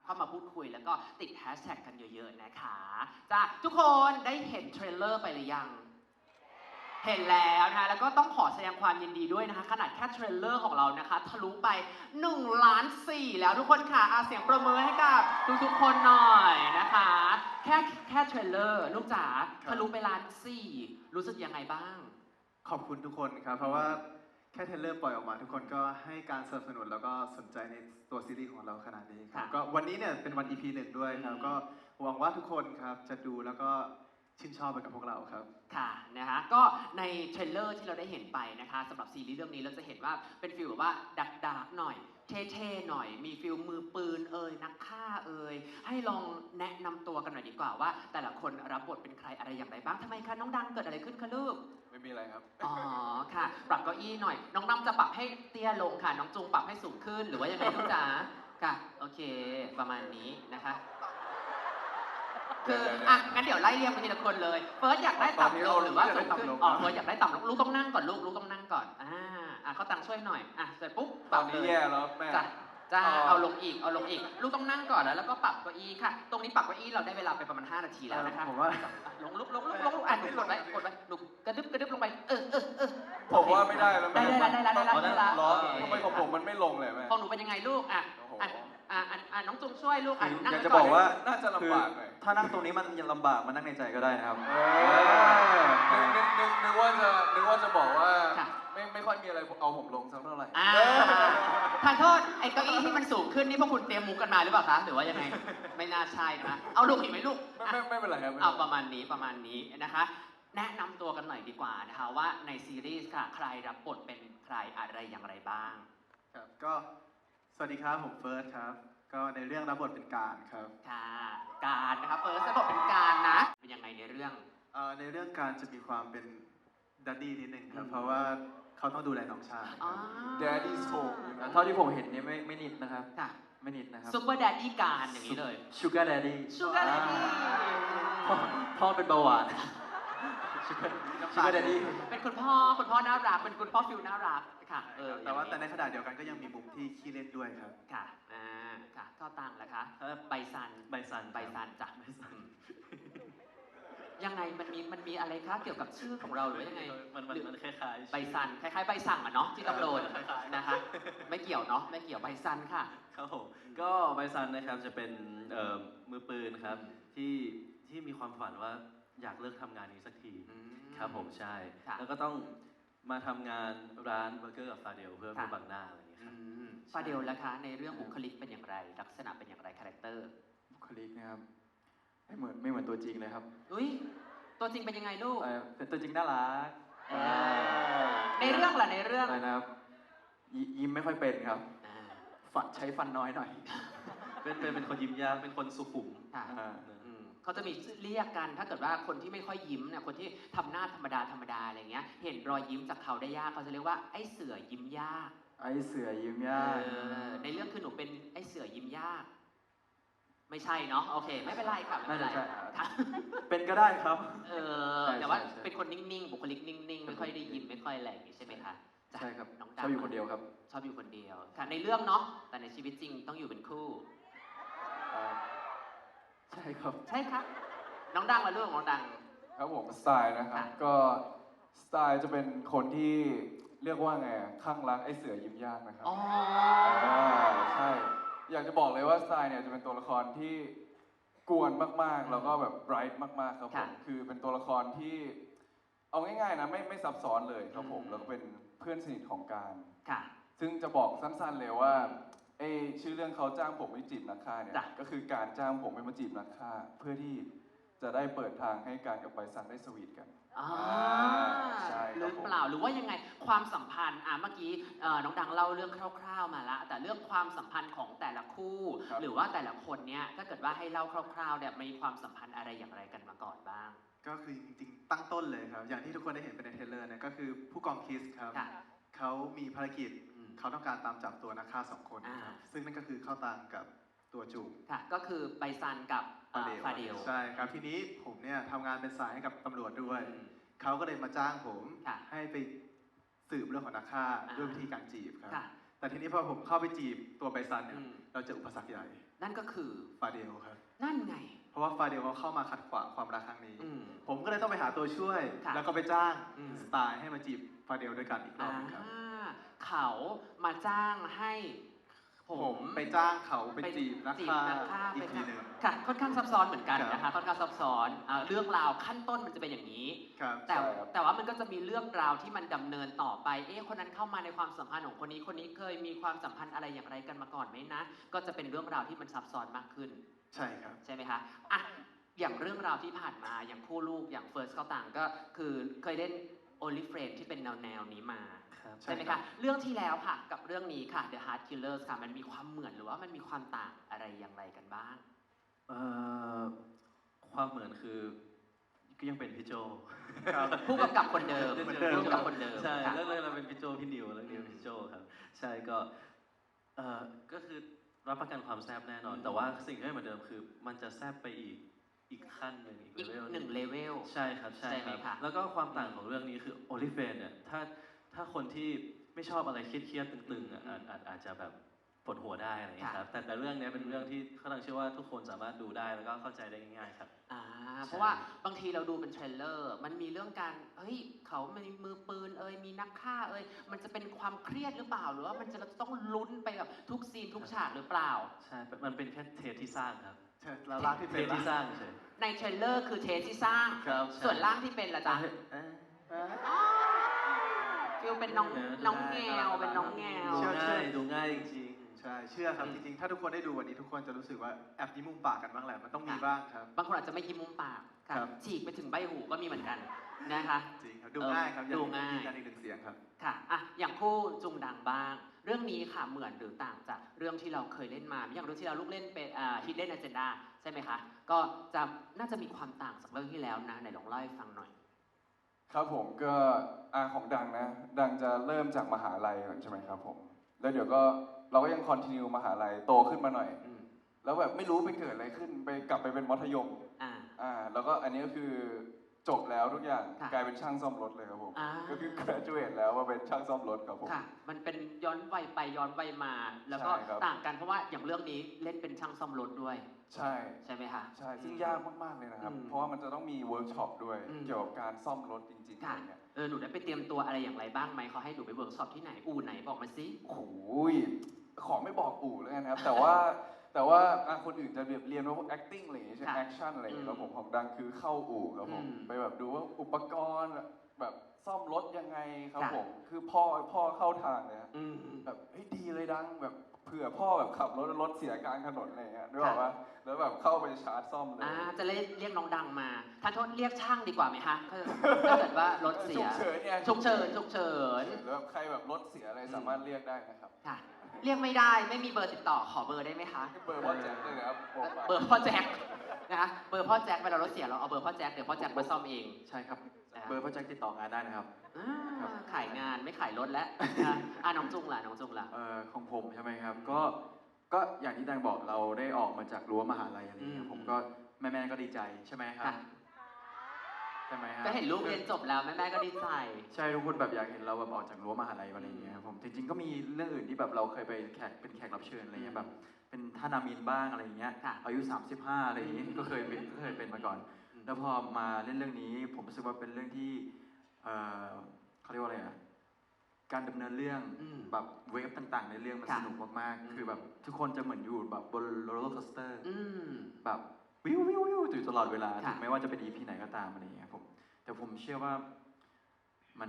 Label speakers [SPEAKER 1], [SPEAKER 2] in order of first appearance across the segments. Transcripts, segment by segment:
[SPEAKER 1] เข้ามาพูดคุยแล้วก็ติดแฮชแท็กกันเยอะๆนะคะจ้าทุกคนได้เห็นเทรลเลอร์ไปหรือยังเห็นแล้วนะแล้วก็ต้องขอแสดงความยินดีด้วยนะคะขนาดแค่เทรลเลอร์ของเรานะคะทะลุไป1.4 ล้านแล้วทุกคนค่ะเสียงประเมินให้กับทุกๆคนหน่อยนะคะแค่เทรลเลอร์ลูกจ๋าทะลุไป1.4 ล้านรู้สึกยังไงบ้าง
[SPEAKER 2] ขอบคุณทุกคนครับเพราะว่าแค่เทรลเลอร์ปล่อยออกมาทุกคนก็ให้การสนับสนุนแล้วก็สนใจในตัวซีรีส์ของเราขนาดนี้ครับก็วันนี้เนี่ยเป็นวัน EP 1ด้วยครับก็หวังว่าทุกคนครับจะดูแล้วก็ชื่นชอบไปกับพวกเราครับ
[SPEAKER 1] ค่ะนะคะก็ในเทรลเลอร์ที่เราได้เห็นไปนะคะสำหรับซีรีส์เรื่องนี้เราจะเห็นว่าเป็นฟีลแบบว่าดักๆหน่อยเท่ๆหน่อยมีฟีลมือปืนนักฆ่าให้ลองแนะนำตัวกันหน่อยดีกว่าว่าแต่ละคนรับบทเป็นใครอะไรอย่างไรบ้างทำไมคะน้องดังเกิดอะไรขึ้นคะลูก
[SPEAKER 2] ไม่มีอะไรครับ
[SPEAKER 1] อ๋อค่ะปรับเก้าอี้หน่อยน้องดังจะปรับให้เตี้ยลงค่ะน้องจุงปรับให้สูงขึ้นหรือว่ายังไงลูกจ๋าค่ะโอเคประมาณนี้นะคะคืองั้นเดี๋ยวไล่เรียงไปทีละคนเลยเฟิร์สอยากได้ต่ำลงหรือว่าสูงขึ้นเฟิร์สอยากได้ต่ำลงลูกต้องนั่งก่อนลูกต้องนั่งก่อนเขาตังช่วยหน่อยเสร็จปุ๊บ
[SPEAKER 2] ตอนนี้แย่แล้วแม่
[SPEAKER 1] จ้าเอาลงอีกลูกต้องนั่งก่อนแล้วก็ปรับเก้าอี้ค่ะตรงนี้ปรับเก้าอี้เราได้เวลาไปประมาณ5 นาทีแล้วนะคะ
[SPEAKER 2] ผมว่า
[SPEAKER 1] ลงลุกกดไว้ลุกกระดึบลงไป
[SPEAKER 2] ผมว่าไม่ได้แล้ว
[SPEAKER 1] ได้แล้ว
[SPEAKER 2] ทำไมของผมมันไม่ลงเลยแม่
[SPEAKER 1] ของหนูเป็นยังไงลูกน้องจุงช่วยลูกนั่ง
[SPEAKER 2] อยากจะบอกว่าน่าจะลำบากหน่อย
[SPEAKER 3] ถ้านั่งตรงนี้มันยังลำบากมานั่งในใจก็ได้นะครับ
[SPEAKER 2] นึกว่าจะบอกว่าไม่ค่อยมีอะไรเอาผมลงสักเท่าไหร่
[SPEAKER 1] ขอโทษไอ้เก้าอี้ที่มันสูงขึ้นนี่พวกคุณเตรียมมุกกันมาหรือเปล่าคะหรือว่ายังไงไม่น่าใช่นะเอาลูกอีกไหมลูก
[SPEAKER 2] ไม่เป็นไรครับ
[SPEAKER 1] เอาประมาณนี้นะคะแนะนำตัวกันหน่อยดีกว่านะคะว่าในซีรีส์ค่ะใครรับบทเป็นใครอะไรอย่างไรบ้าง
[SPEAKER 2] ครับก็สวัสดีครับผมเฟิร์สครับก็ในเรื่องรับบทเป็นการครับ
[SPEAKER 1] ค่ะการนะครับเฟิร์สรับบทเป็นการนะเป็นยังไงในเรื่อง
[SPEAKER 2] ในเรื่องการจะมีความเป็นดัดดี้นิดนึงครับเพราะว่าเขาต้องดูแลน้องชาย Daddy's Home
[SPEAKER 3] เท่าที่ผมเห็นเนี่ยไม่นิดนะครับไม่นิดนะครับ
[SPEAKER 1] ซุปเปอร์แดดดี้การอย่างนี้เลย
[SPEAKER 3] Sugar Daddy พ่อเป็นเบาหวาน Sugar Daddy
[SPEAKER 1] เป็นคุณพ่อน่ารักเป็นคุณพ่อฟิลน่ารักค่ะ
[SPEAKER 2] แต่ในขณะเดียวกันก็ยังมีมุมที่ขี้เล่นด้วยครับ
[SPEAKER 1] ค่ะค่ะก็ตังแหละคะใบซันจ้ะยังไงมันมีอะไรคะเกี่ยวกับชื่อของเราหรือยังไง
[SPEAKER 3] มันคล้าย
[SPEAKER 1] ๆใบซันคล้ายๆใบสั่งเนาะที่ต้องโดนนะคะไม่เกี่ยวเนาะไม่เกี่ยวใบซันค่ะ
[SPEAKER 3] ครับผมก็ใบซันนะครับจะเป็นมือปืนครับที่มีความฝันว่าอยากเลิกทำงานนี้สักทีครับผมใช่แล้วก็ต้องมาทำงานร้านเบอร์เกอร์กับฟาเดลเพื่อบังหน้าอะไรอย่างเงี้ยครับ
[SPEAKER 1] ฟาเดลล่ะคะในเรื่องบุคลิกเป็นอย่างไรลักษณะเป็นอย่างไรคาแรคเตอร์
[SPEAKER 3] บุคลิกนะครับไม่เหมือนตัวจริงเลยครับ
[SPEAKER 1] อุ้ยตัวจริงเป็นยังไงลูก
[SPEAKER 3] เป็นตัวจริงน่ารัก
[SPEAKER 1] ในเรื่องล่ะในเรื่อง
[SPEAKER 3] อะไรนะครับยิ้มไม่ค่อยเป็นครับใช้ฟันน้อยหน่อยเป็นคนยิ้มยากเป็นคนสุขุม
[SPEAKER 1] เขาจะมีเรียกกันถ้าเกิดว่าคนที่ไม่ค่อยยิ้มเนี่ยคนที่ทำหน้าธรรมดาอะไรเงี้ยเห็นรอยยิ้มจากเขาได้ยากเขาจะเรียกว่าไอ้เสือยิ้มยาก
[SPEAKER 3] ไอ้เสือยิ้มยาก
[SPEAKER 1] ในเรื่องคือหนูเป็นไอ้เสือยิ้มยากไม่ใช่เนาะโอเคไม่เป็นไรครับไม่เป็นไร
[SPEAKER 3] เป็นก็ได้ครับ
[SPEAKER 1] แต่ว่าเป็นคนนิ่งๆบุคลิกนิ่งๆไม่ค่อยได้ยิ้มไม่ค่อยอะไรอย่างนี้ใช่ไหมคะ
[SPEAKER 3] ใช่ครับชอบอยู่คนเดียวครับ
[SPEAKER 1] ชอบอยู่คนเดียวค่ะในเรื่องเนาะแต่ในชีวิตจริงต้องอยู่เป็นคู่
[SPEAKER 3] ใช่ครับ
[SPEAKER 1] ใช่ครับน้องดังมาเรื่องน้องดัง
[SPEAKER 2] ครับผมสไตล์นะครับก็สไตล์จะเป็นคนที่เรียกว่าไงข้างรักไอ้เสือยิ้มยากนะครับใช่อยากจะบอกเลยว่าสไตล์เนี่ยจะเป็นตัวละครที่กวนมากๆแล้วก็แบบไบรท์มากๆครับผมคือเป็นตัวละครที่เอาง่ายๆนะไม่ซับซ้อนเลยครับผมแล้วก็เป็นเพื่อนสนิทของการซึ่งจะบอกสั้นๆเลยว่าชื่อเรื่องเขาจ้างผมไปจีบนักฆ่าเนี่ยก็คือการจ้างผมไปมาจีบนักฆ่าเพื่อที่จะได้เปิดทางให้การกับใบซันได้สวีทกัน
[SPEAKER 1] ใช่หรือเปล่าหรือว่ายังไงความสัมพันธ์เมื่อกี้น้องดังเล่าเรื่องคร่าวๆมาแล้วแต่เรื่องความสัมพันธ์ของแต่ละคู่หรือว่าแต่ละคนเนี่ยถ้าเกิดว่าให้เล่าคร่าวๆเนี่ยมีความสัมพันธ์อะไรอย่างไรกันมาก่อนบ้าง
[SPEAKER 2] ก็คือจริงๆตั้งต้นเลยครับอย่างที่ทุกคนได้เห็นไปในเทรลเลอร์เนี่ยก็คือผู้กองคิสครับเขามีภารกิจเขาต้องการตามจับตัวนักฆ่า2 คนซึ่งนั่นก็คือเข้าตังกับตัวจูง
[SPEAKER 1] ก็คือไบซันกับฟาเดล
[SPEAKER 2] ใช่ครับทีนี้ผมเนี่ยทำงานเป็นสายให้กับตำรวจด้วยเขาก็เลยมาจ้างผมให้ไปสืบเรื่องของนักฆ่าด้วยวิธีการจีบครับ
[SPEAKER 4] แต่ทีนี้พอผมเข้าไปจีบตัวไบซันเนี่ย
[SPEAKER 1] อืม
[SPEAKER 4] เราเจออุปสรรคใหญ่
[SPEAKER 1] นั่นก็คือ
[SPEAKER 4] ฟาเดลครับ
[SPEAKER 1] นั่นไง
[SPEAKER 4] เพราะว่าฟาเดลเขาเข้ามาขัดขวางความรักครั้งนี้
[SPEAKER 1] อืม
[SPEAKER 4] ผมก็เลยต้องไปหาตัวช่วย
[SPEAKER 1] ค่ะ
[SPEAKER 4] แล้วก็ไปจ้าง
[SPEAKER 1] อืม
[SPEAKER 4] สไตล์ให้มาจีบฟาเดลด้วยกันอีกรอบหนึงครับ
[SPEAKER 1] เขามาจ้างให้ผ
[SPEAKER 4] ผม
[SPEAKER 1] ม
[SPEAKER 4] ไปจ้างเขาไปจีบนักฆ่า
[SPEAKER 1] ไป
[SPEAKER 4] อีกทีหนึ่ง
[SPEAKER 1] ค่ะค่อนข้างซับซ้อนเหมือนกัน
[SPEAKER 4] ครับ
[SPEAKER 1] นะคะค่อนข้างซับซ้อนเรื่องราวขั้นต้นมันจะเป็นอย่างนี้
[SPEAKER 4] ครับ
[SPEAKER 1] แต่
[SPEAKER 2] ใช่ครับ
[SPEAKER 1] แต่ว่ามันก็จะมีเรื่องราวที่มันดำเนินต่อไป คนนั้นเข้ามาในความสัมพันธ์ของคนนี้คนนี้เคยมีความสัมพันธ์อะไรอย่างไรกันมาก่อนไหมนะ ก็จะเป็นเรื่องราวที่มันซับซ้อนมากขึ้น
[SPEAKER 4] ใช่ครับ
[SPEAKER 1] ใช่ไหมคะอ่ะอย่างเรื่องราวที่ผ่านมาอย่างคู่ลูกอย่างเฟิร์สเขาต่างก็คือเคยเล่น Only Friend ที่เป็นแนวนี้มา
[SPEAKER 3] ครับ
[SPEAKER 1] ใช่ไหมคะเรื่องที่แล้วค่ะกับเรื่องนี้ค่ะ The Heart Killers ค่ะมันมีความเหมือนหรือว่ามันมีความต่างอะไรอย่างไรกันบ้าง
[SPEAKER 3] เอ่อความเหมือนคือก็ยังเป็นพี่โจ
[SPEAKER 4] ครับ
[SPEAKER 1] ผู้กำกับคนเดิม
[SPEAKER 4] เหมือนเดิม
[SPEAKER 1] ผู้กำกับคนเดิม
[SPEAKER 3] ใช่
[SPEAKER 1] ค่ะ
[SPEAKER 3] แล้วเลยเราเป็นพี่โจพี่นิวแล้วนิวพี่โจครับ ใช่ก็ก็คือรับประกันความแซ่บแน่นอน แต่ว่าสิ่งที่ไม่เหมือนเดิมคือ มันจะแซ่บไปอีกขั้นหนึ่ง
[SPEAKER 1] อีก
[SPEAKER 3] เลเวล
[SPEAKER 1] หนึ่งเลเวล
[SPEAKER 3] ใช่ครับใช่
[SPEAKER 1] ใช่ไห
[SPEAKER 3] ค
[SPEAKER 1] ม
[SPEAKER 3] รับ
[SPEAKER 1] คะ
[SPEAKER 3] แล้วก็ความต่างของเรื่องนี้คือโอลิเฟนเนี่ยถ้าคนที่ไม่ชอบอะไรเครียดๆตึงๆอาจจะแบบปวดหัวได้อะไรอย่างเงี้ยครับแต่เรื่องเนี้ยเป็นเรื่องที่เขาตั้งเชื่อว่าทุกคนสามารถดูได้แล้วก็เข้าใจได้ง่ายๆครับ
[SPEAKER 1] เพราะว่าบางทีเราดูเป็นเทรลเลอร์ มันมีเรื่องการเฮ้ยเขามีมือปืนมีนักฆ่ามันจะเป็นความเครียดหรือเปล่า หรือว่ามันจะเราจะต้องลุ้นไปแบบทุกซีนทุกฉากหรือเปล่า
[SPEAKER 3] ใช่ มันเป็นแค่เทปที่สร้างครับ
[SPEAKER 4] ใช่แล้วร่างที่
[SPEAKER 3] เท
[SPEAKER 4] เป็น
[SPEAKER 3] ปที่สร้างเฉย
[SPEAKER 1] ในเทรลเลอร์คือเทสที่สร้าง
[SPEAKER 4] ครับ
[SPEAKER 1] ส่วนร่างที่เป็นล่ะจ๊ะ ฟิลเป็นน้อง
[SPEAKER 3] เออ
[SPEAKER 1] น้องแงวเป็นน้องแงว
[SPEAKER 3] ดูง่ายดูง่ายจริง
[SPEAKER 4] ใช่ เชื่อครับ
[SPEAKER 3] อืม
[SPEAKER 4] จริงๆ ถ้าทุกคนได้ดูวันนี้ทุกคนจะรู้สึกว่าแอบยิ้มมุมปากกันบ้างแหละ มันต้องมี
[SPEAKER 1] ค่ะ
[SPEAKER 4] บ้างครับ
[SPEAKER 1] บางคนอาจจะไม่ยิ้มมุมปากค่ะ
[SPEAKER 4] ครับ
[SPEAKER 1] ฉีกไปถึงใบหูก็มีเหมือนกันนะคะ
[SPEAKER 4] จริงครับ ดูง่ายครับ
[SPEAKER 1] ดูง่าย
[SPEAKER 4] ยืนยันอีกหนึ่งเสียงครับ
[SPEAKER 1] ค่ะอ่ะอย่างคู่จุงดังบ้าง เรื่องนี้ค่ะเหมือนหรือต่างจากเรื่องที่เราเคยเล่นมา อย่างเรื่องที่เราลูกเล่นเป็นHidden Agenda ใช่ไหมคะ ก็จะน่าจะมีความต่างจากเรื่องที่แล้วนะไหนลองเล่าให้ฟังหน่อย
[SPEAKER 2] ครับผมก็ของดังนะ ดังจะเริ่มจากมหาลัยก่อนใช่ไหมครับผม แล้วเดี๋ยวก็เราก็ยังคอนติเนียมหาลัยโตขึ้นมาหน่อย
[SPEAKER 1] อืม
[SPEAKER 2] แล้วแบบไม่รู้ไปเกิดอะไรขึ้นไปกลับไปเป็นมัธยม
[SPEAKER 1] อ่า
[SPEAKER 2] แล้วก็อันนี้ก็คือจบแล้วทุกอย่าง
[SPEAKER 1] ค่ะ
[SPEAKER 2] กลายเป็นช่างซ่อมรถเลยครับผม
[SPEAKER 1] อ่า
[SPEAKER 2] ก็คือ graduate แล้วว่าเป็นช่างซ่อมรถครับผม
[SPEAKER 1] ค่ะ มันเป็นย้อนวัยไปย้อนวัยมา แล้วก็
[SPEAKER 2] ใช่ครับ
[SPEAKER 1] ต่างกันเพราะว่าอย่างเรื่องนี้เล่นเป็นช่างซ่อมรถด้วย
[SPEAKER 2] ใช่
[SPEAKER 1] ใช่ไหมคะ
[SPEAKER 2] ใช่ซึ่งยากมากๆเลยนะครับ
[SPEAKER 1] อืม
[SPEAKER 2] เพราะว่ามันจะต้องมีเวิร์กช็อปด้วย
[SPEAKER 1] อืม
[SPEAKER 2] เกี่ยวกับการซ่อมรถจริงๆอะ
[SPEAKER 1] ค่ะ
[SPEAKER 2] ไรเงี้ย
[SPEAKER 1] หนูได้ไปเตรียมตัวอะไรอย่างไรบ้างไหมเขาให้หนูไปเวิร์กช็อปที่ไหน อู่ไหนบอกมาสิ
[SPEAKER 2] โอ้โหขอไม่บอกอู่แล้วกันนะครับ แต่ว่าคนอื่นจะเรียนว่าพวก acting อะไรอย่างเงี้ยใช่ไหม
[SPEAKER 1] ค่ะ
[SPEAKER 2] action อะไรอย่างเงี้ย
[SPEAKER 1] อืม
[SPEAKER 2] แล้วผมของดังคือเข้าอู่ครับผม
[SPEAKER 1] อืม
[SPEAKER 2] ไปแบบดูว่าอุปกรณ์แบบซ่อมรถยังไงครับ
[SPEAKER 1] ค่ะ
[SPEAKER 2] ผมคือพ่อเข้าทางเลยฮะ
[SPEAKER 1] อืม
[SPEAKER 2] แบบเฮ้ยดีเลยดังแบบเผื่อพ่อแบบขับรถแล้วรถเสียกลางถนนอะไรอย่างเงี้ยนึกออกปะแล้วแบบเข้าไปชาร์จซ่อมเลย
[SPEAKER 1] จะเรียกน้องดังมาท่านโทษเรียกช่างดีกว่าไหมคะถ้าเกิดว่ารถเสีย
[SPEAKER 2] ฉุกเฉินเนี่ย
[SPEAKER 1] ฉุกเฉินฉุกเฉิน
[SPEAKER 2] แล้วใครแบบรถเสียอะไรสามารถเรียกได้นะครับ
[SPEAKER 1] ค่ะ เรียกไม่ได้ไม่มีเบอร์ติดต่อขอเบอร์ได้ไหมคะ
[SPEAKER 2] เบอร์พ่อแจ็คเลยนะครับบอกไป
[SPEAKER 1] เบอร์พ่อแจ็คนะคะเบอร์พ่อแจ็คเวลารถเสียเราเอาเบอร์พ่อแจ็คเดี๋ยวพ่อแจ็คมาซ่อมเอง
[SPEAKER 5] ใช่ครับ
[SPEAKER 1] นะครับ
[SPEAKER 5] เบอร์พ่อแจ็คติดต่องานได้นะครับ
[SPEAKER 1] ขายงานไม่ขายรถแล้วน้องจุงล่ะน้องจุงล่ะ
[SPEAKER 5] ของผมใช่ไหมครับ ก็อย่างที่แดงบอกเราได้ออกมาจากรั้วมหาลัยอะไรอย่างเงี้
[SPEAKER 1] อื
[SPEAKER 5] ย
[SPEAKER 1] ม
[SPEAKER 5] ผมก็แม่ๆก็ดีใจใช่ไหมครับ
[SPEAKER 1] ค่ะ
[SPEAKER 5] ใช่ไหมครับ
[SPEAKER 1] ก็เห็นลูกเรียนจบแล้วแม่ก็ดีใจ
[SPEAKER 5] ใช่ทุกคนแบบอยากเห็นเราแบบออกจากรั้วมหาลัยอะไรอย่างเงี้ยครับผมจริงๆก็มีเรื่องอื่นที่แบบเราเคยไปเป็นแขกรับเชิญอะไรเงี้ยแบบเป็นท่านามินบ้างอะไรอย่างเงี้ย
[SPEAKER 1] ค่ะ
[SPEAKER 5] อายุ 35อะไรอย่างงี้ก็เคยเป็นมาก่อน แล้วพอมาเล่นเรื่องนี้ ผมรู้สึกว่าเป็นเรื่องที่เขาเรียกว่าอะไรอะการดำเนินเรื่อง
[SPEAKER 1] อืม
[SPEAKER 5] แบบเวฟต่างๆ ในเรื่องมัน
[SPEAKER 1] ค่ะ
[SPEAKER 5] สนุกมาก
[SPEAKER 1] อืม
[SPEAKER 5] ๆ คือแบบทุกคนจะเหมือนอยู่แบบบนโรลเลอร์คอสเตอร์
[SPEAKER 1] อืม
[SPEAKER 5] แบบวิววิววิวอยู่ตลอดเวลา
[SPEAKER 1] ค่ะ
[SPEAKER 5] ถึงแม้ว่าจะเป็น EP ไหนก็ตามอะไรอย่างเงี้ยผมแต่ผมเชื่อว่ามัน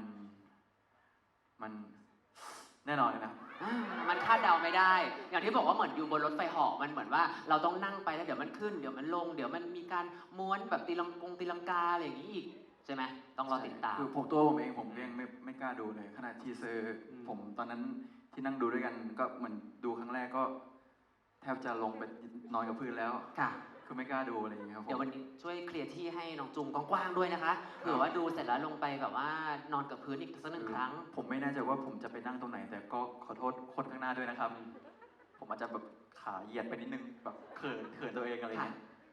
[SPEAKER 5] แน่นอนเลยนะครับ
[SPEAKER 1] มันคาดเดาไม่ได้ อย่างที่บอกว่าเหมือนอยู่บนรถไฟเหาะมันเหมือนว่าเราต้องนั่งไปแล้วเดี๋ยวมันขึ้นเดี๋ยวมันลง เดี๋ยวมันมีการม้วนแบบตีลังกาอะไรอย่างนี้อีกใช่ไหมต้องรอติดตาม
[SPEAKER 5] คือตัวผมเองผมยังไม่กล้าดูเลยขนาดทีเซอร์
[SPEAKER 1] อืม
[SPEAKER 5] ผมตอนนั้นที่นั่งดูด้วยกันก็เหมือนดูครั้งแรกก็ แทบจะลงไปนอนกับพื้นแล้ว
[SPEAKER 1] ค่ะ
[SPEAKER 5] คือไม่กล้าดูอะไรอย่างเงี้ยครับผม
[SPEAKER 1] เดี๋ยววันนี้ช่วยเคลียร์ที่ให้น้องจุงกว้างๆด้วยนะคะเผื่อว่าดูเสร็จแล้วลงไปแบบว่านอนกับพื้นอีกสักหนึ่งครั้ง
[SPEAKER 5] ผมไม่แน่ใจว่าผมจะไปนั่งตรงไหน แต่ก็ขอโทษคนข้างหน้าด้วยนะครับ ผมอาจจะแบบขาเหยียดไปนิดนึงแบบเขินตัวเองอะไร
[SPEAKER 1] ค่ะ
[SPEAKER 5] เงี้ย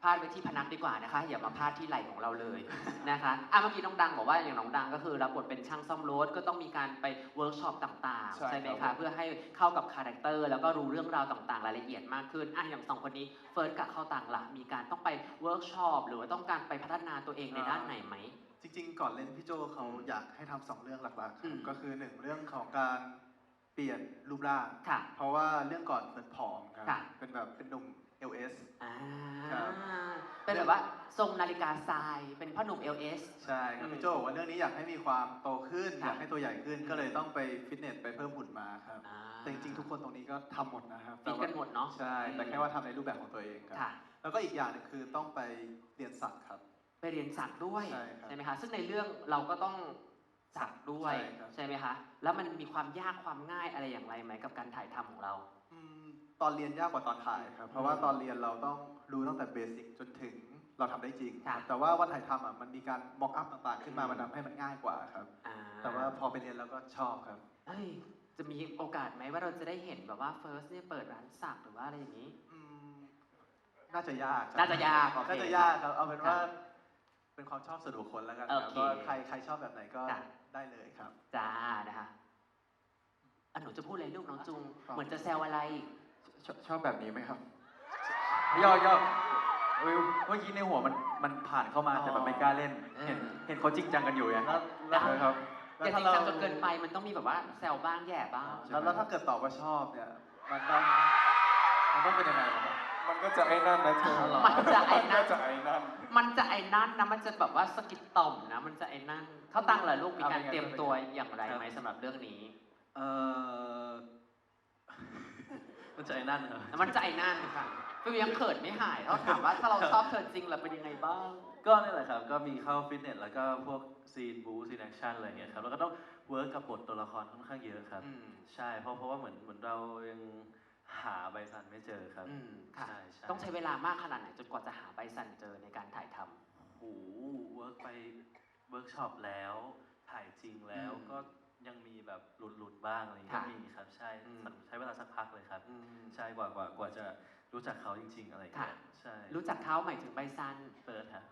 [SPEAKER 1] พาดไว้ที่พนักดีกว่านะคะ อย่ามาพาดที่ไหล่ของเราเลยนะคะเมื่อกี้น้องดังบอกว่าอย่างน้องดังก็คือรับบทเป็นช่างซ่อมรถก็ต้องมีการไปเวิร์กช็อปต่างๆ ใช่ไหมคะเพื่อให้เข้ากับคาแรคเตอร์แล้วก็รู้เรื่องราวต่างๆรายละเอียดมากขึ้นอย่างสองคนนี้เฟิร์สกับเข้าต่างหลักมีการต้องไปเวิร์กช็อปหรือว่าต้องการไปพัฒนาตัวเองในด้านไหนไหม
[SPEAKER 4] จริงๆ ก่อนเล่นพี่โจเขาอยากให้ทำสองเรื่องหลักๆค
[SPEAKER 1] อื
[SPEAKER 4] รับ
[SPEAKER 1] ม
[SPEAKER 4] ก็คือหนึ่งเรื่องของการเปลี่ยนรูปร่าง
[SPEAKER 1] ค่ะ
[SPEAKER 4] เพราะว่าเรื่องก่อนเฟิร์นผอมครับ
[SPEAKER 1] ค่ะ
[SPEAKER 4] เป็นแบบเป็นหนุ่ม LS ครับ
[SPEAKER 1] เป็นแบบว่าทรงนาฬิกาทรายเป็นพ่อหนุ่ม LS
[SPEAKER 4] ใช่ครับ
[SPEAKER 1] อืม
[SPEAKER 4] พี่โจบอกว่าเรื่องนี้อยากให้มีความโตขึ้น
[SPEAKER 1] ค่ะ
[SPEAKER 4] อยากให้ตัวใหญ่ขึ้น ก็เลยต้องไปฟิตเนสไปเพิ่มหุ่นมาครับ
[SPEAKER 1] อ่า
[SPEAKER 4] แต่จริงๆ ทุกคนตรงนี้ก็ทำหมดนะครับ
[SPEAKER 1] ฟิตกันหมดเนาะ
[SPEAKER 4] ใช่ แต่แค่ว่าทำในรูปแบบของตัวเองครับ
[SPEAKER 1] ค่ะ
[SPEAKER 4] แล้วก็อีกอย่างหนึงคือต้องไปเรียนสักครับ
[SPEAKER 1] ไปเรียนสักด้วย
[SPEAKER 4] ใช่ครับ
[SPEAKER 1] ไหมคะซึ่งในเรื่องเราก็ต้องสักด้วย
[SPEAKER 4] ใช่ครับ
[SPEAKER 1] ใช่ไหมคะแล้วมันมีความยากความง่ายอะไรอย่างไรไหมกับการถ่ายทำของเรา
[SPEAKER 4] อืมตอนเรียนยากกว่าตอนถ่ายครับ เพราะว่าตอนเรียนเราต้องรู้ตั้งแต่เบสิกจนถึงเราทำได้จริง
[SPEAKER 1] ค่ะ
[SPEAKER 4] แต่ว่าวันถ่ายทำมันมีการม็อกอัพต่างๆ ขึ้นมา
[SPEAKER 1] อืม
[SPEAKER 4] มันทำให้มันง่ายกว่าครับ
[SPEAKER 1] อ่า
[SPEAKER 4] แต่ว่าพอไปเรียนแล้วก็ชอบครับ
[SPEAKER 1] เฮ้ยจะมีโอกาสไหมว่าเราจะได้เห็นแบบว่าเฟิร์สเนี่ยเปิดร้านสักหรือว่าอะไรอย่างนี้
[SPEAKER 4] อืมน่าจะยากครับ
[SPEAKER 1] น่าจะยากโอเค
[SPEAKER 4] น่าจะยากครับ เอาเป็นว่าเป็นความชอบส่วนบุคคลแล้วกันครับ
[SPEAKER 1] โอเค
[SPEAKER 4] ก็ใครชอบแบบไหนก็
[SPEAKER 1] ค่ะ
[SPEAKER 4] ได้เลยครับ
[SPEAKER 1] จ้านะคะหนูจะพูดอะไรลูกน้องจุง
[SPEAKER 4] ครับ
[SPEAKER 1] เหมือนจะแซวอะไร
[SPEAKER 5] ชอบแบบนี้ไหมครับย่อเมื่อกี้ในหัวมันผ่านเข้ามาแต่แบบไม่กล้าเล่น เห็นเขาจริงจังกันอยู่ไง
[SPEAKER 4] แล้ว
[SPEAKER 5] ครับ
[SPEAKER 1] อย่าจริงจังจนเกินไปมันต้องมีแบบว่าแซวบ้างแย่บ้าง
[SPEAKER 4] แล้วถ้าเกิดตอบว่าชอบเนี่ยมันต้องเป็นยังไงล่ะครับ
[SPEAKER 2] มันก็จะไอ้นั่นนะเธอ
[SPEAKER 1] มันจะไอ้นั่น
[SPEAKER 2] มัก็จะไอ้นั่น
[SPEAKER 1] มันจะไอ้นั่นนะมันจะแบบว่าสะกิดต่อมนะมันจะไอ้นั่นเขาตั้งเหรอลูกมีการเตรียมตัวอย่างไรไหมสำหรับเรื่องนี้
[SPEAKER 3] เออ มันจะไอ้นั่นเหรอ
[SPEAKER 1] มันจะไอ้นั่นค่ะฟิวยังเขินไม่หายเขาถามว่าถ้าเราชอบเธอจริงเราเป็นยังไงบ้าง
[SPEAKER 3] ก็นี่แหละครับ ก็มีเข้าฟิตเนสแล้วก็พวกซีนบูซีนแอคชั่นอะไรอย่างเงี้ยครับ แล้วก็ต้องเวิร์กกับบทตัวละครค่อนข้างเยอะครับ ใช่ เพราะว่าเหมือนเรายังหาใบสันไม่เจอครับ
[SPEAKER 1] ค่ะ
[SPEAKER 3] ใช่
[SPEAKER 1] ต้องใช้เวลามากขนาดไหนจนกว่าจะหาใบสันเจอในการถ่ายทำ
[SPEAKER 3] โอ้โหเวิร์กไปเวิร์กช็อปแล้ว ถ่ายจริงแล้ว
[SPEAKER 1] อืม
[SPEAKER 3] ก็ยังมีแบบหลุดๆบ้างอะไรอย่างเงี้ย
[SPEAKER 1] ค่ะ
[SPEAKER 3] ก็มีครับ ใช่
[SPEAKER 1] อืม
[SPEAKER 3] ใช้เวลาสักพักเลยครับ ใช่กว่าจะรู้จักเขาจริง ๆ อะไรอย่างเงี้ย
[SPEAKER 1] ค่ะ
[SPEAKER 3] ใช่
[SPEAKER 1] รู้จักเขาหมายถึงใบสัน
[SPEAKER 3] เปิดฮะ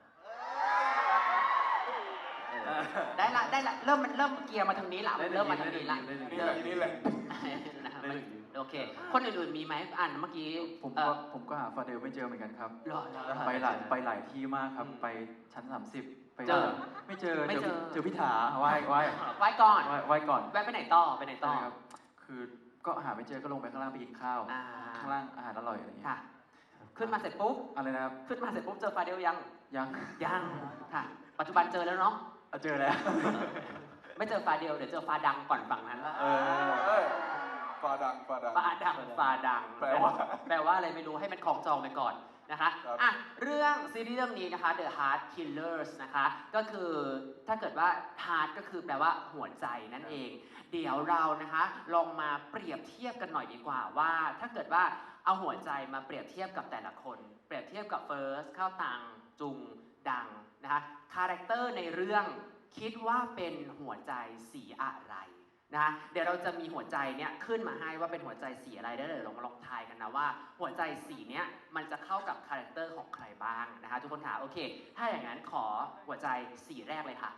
[SPEAKER 1] ได้ละเริ่มเกียร์มาทางนี้ละเริ่มมาทางนี้ละ
[SPEAKER 3] ได้หนึ่ง
[SPEAKER 2] นี่แหละนี่แหละ
[SPEAKER 1] นะครับ
[SPEAKER 3] ได้หนึ่ง
[SPEAKER 1] โอเค คนอื่นๆมีไหมเมื่อกี้
[SPEAKER 5] ผมก็หาฟาเดลไม่เจอเหมือนกันครับ
[SPEAKER 1] รอ
[SPEAKER 5] ไปหลายที่มากครับ ไปชั้น 30 ไป
[SPEAKER 1] เจอ
[SPEAKER 5] ไม่เจอ
[SPEAKER 1] ไม่เจอ
[SPEAKER 5] เจอพิธาไหว้
[SPEAKER 1] ไว้ก่อน
[SPEAKER 5] ก่อน
[SPEAKER 1] แวะไปไหนต่อไปไหนต่อ
[SPEAKER 5] ใช่ครับ คือก็หาไม่เจอก็ลงไปข้างล่างไปกินข้าว
[SPEAKER 1] อ่า
[SPEAKER 5] ข้างล่างอาหารอร่อยอะไรอย่างเงี้ย
[SPEAKER 1] ค่ะ ขึ้นมาเสร็จปุ๊บ
[SPEAKER 5] อะไรนะครับ
[SPEAKER 1] ขึ้นมาเสร็จปุ๊บเจอฟาเดลยัง
[SPEAKER 5] ยัง
[SPEAKER 1] ยังค่ะ ปัจจุบันเจอแล้วเนาะ
[SPEAKER 5] เจอแล้ว
[SPEAKER 1] ไม่เจอฟาเดลเดี๋ยวเจอฟาดังก่อนฝั่งนั้น
[SPEAKER 2] เออฟาดัง
[SPEAKER 1] ฟาดัง
[SPEAKER 2] แปลว่า
[SPEAKER 1] แปลว่าอะไรไม่รู้ให้มันของจองไปก่อนนะคะ
[SPEAKER 2] ครับ
[SPEAKER 1] เรื่องซีรีส์เรื่องนี้นะคะ The Heart Killers นะคะ ก็คือถ้าเกิดว่า heart ก็คือแปลว่าหัวใจนั่นเอง เดี๋ยวเรานะคะลองมาเปรียบเทียบกันหน่อยดีกว่าว่า ถ้าเกิดว่าเอาหัวใจมาเปรียบเทียบกับแต่ละคน เปรียบเทียบกับเฟิร์สข้าวตังจุงดังนะคะคาแรคเตอร์ในเรื่องคิดว่าเป็นหัวใจสีอะไรนะเดี๋ยวเราจะมีหัวใจเนี่ยขึ้นมาให้ว่าเป็นหัวใจสีอะไรได้เลยลองทายกันนะว่า หัวใจสีเนี้ยมันจะเข้ากับคาแรคเตอร์ของใครบ้างนะคะทุกคนค่ะโอเค ถ้าอย่างนั้นขอหัวใจสีแรกเลยค่ะ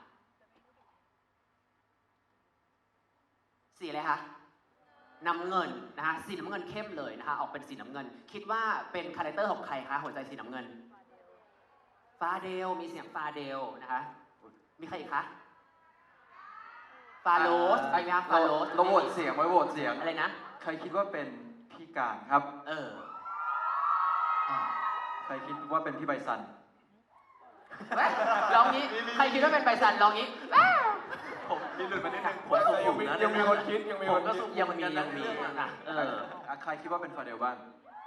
[SPEAKER 1] สีอะไรคะน้ำเงินนะคะสีน้ำเงินเข้มเลยนะคะออกเป็นสีน้ำเงิน คิดว่าเป็นคาแรคเตอร์ของใครคะหัวใจสีน้ำเงินฟาเดลมีเสียงฟาเดลนะคะมีใครอีกคะฟาโรสอะไรนะฟาโรส
[SPEAKER 5] เราโหวตเสียงไว้โหวตเสียง
[SPEAKER 1] อะไรนะ
[SPEAKER 5] ใครคิดว่าเป็นพี่การครับ ใครคิดว่าเป็นพี่ใบสัน
[SPEAKER 1] ลองนี้ใครคิดว่าเป็นใบสันลองนี้
[SPEAKER 3] ผมมีหลุดมานิดนึงผมสุขุมนะ
[SPEAKER 2] ยังมีคนคิดยังมีคนคิด
[SPEAKER 1] ยังมีนะ
[SPEAKER 5] ใครคิดว่าเป็นฟาเดลบ้าง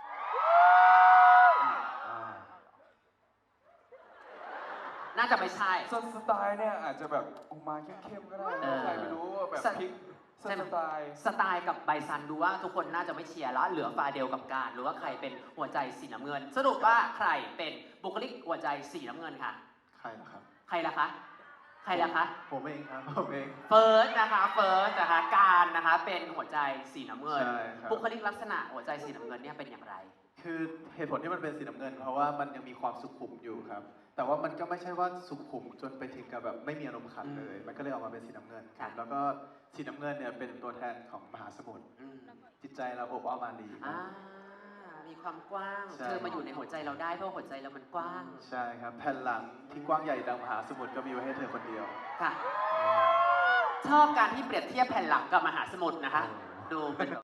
[SPEAKER 1] น่าจะไม่ใช่
[SPEAKER 2] สไตล์เนี่ยอาจจะแบบออกมาเข้มๆก็ได้
[SPEAKER 1] เออ
[SPEAKER 2] ใครไม่รู้ว่าแบบพลิกสไตล์
[SPEAKER 1] สไตล์กับใบซันดูว่าทุกคนน่าจะไม่เชียร์แล้วเหลือฟาเดลกับการหรือว่าใครเป็นหัวใจสีน้ำเงิน สรุปว่าใครเป็นบุคลิกหัวใจสีน้ำเงินค่ะ
[SPEAKER 4] ใครนะครับ
[SPEAKER 1] ใครล่ะคะใครล่ะคะ
[SPEAKER 4] ผมเองครับ ผมเอง
[SPEAKER 1] เฟิร์สนะคะเฟิร์สนะคะการนะคะเป็นหัวใจสีน้ำเงิน
[SPEAKER 4] ใช่ครับ
[SPEAKER 1] บุคลิกลักษณะหัวใจสีน้ำเงินเนี่ยเป็นอย่างไร
[SPEAKER 4] คคือเหตุผลที่มันเป็นสีน้ำเงิน เพราะว่ามันยังมีความสุขุมอยู่ครับ แต่ว่ามันก็ไม่ใช่ว่าสุขุมจนไปถึงกับแบบไม่มีอารมณ์ขันเลย มันก็เลยออกมาเป็นสีน้ำเงินครับ แล้วก็สีน้ำเงินเนี่ยเป็นตัวแทนของมหาสมุทร
[SPEAKER 1] อืม
[SPEAKER 4] จิตใจเราอบอ้อมอารีครั
[SPEAKER 1] อ่า
[SPEAKER 4] บ
[SPEAKER 1] มีความกว้าง
[SPEAKER 4] ใช่
[SPEAKER 1] เธอมาอยู่ในหัวใจเราได้เพราะหัวใจเรามันกว้าง
[SPEAKER 4] ใช่ครับ แผ่นหลังที่กว้างใหญ่ดังมหาสมุทรก็มีไว้ให้เธอคนเดียว
[SPEAKER 1] ค่ะ ชอบการที่เปรียบเทียบแผ่นหลังกับมหาสมุทรนะคะ ดูเป็นแบบ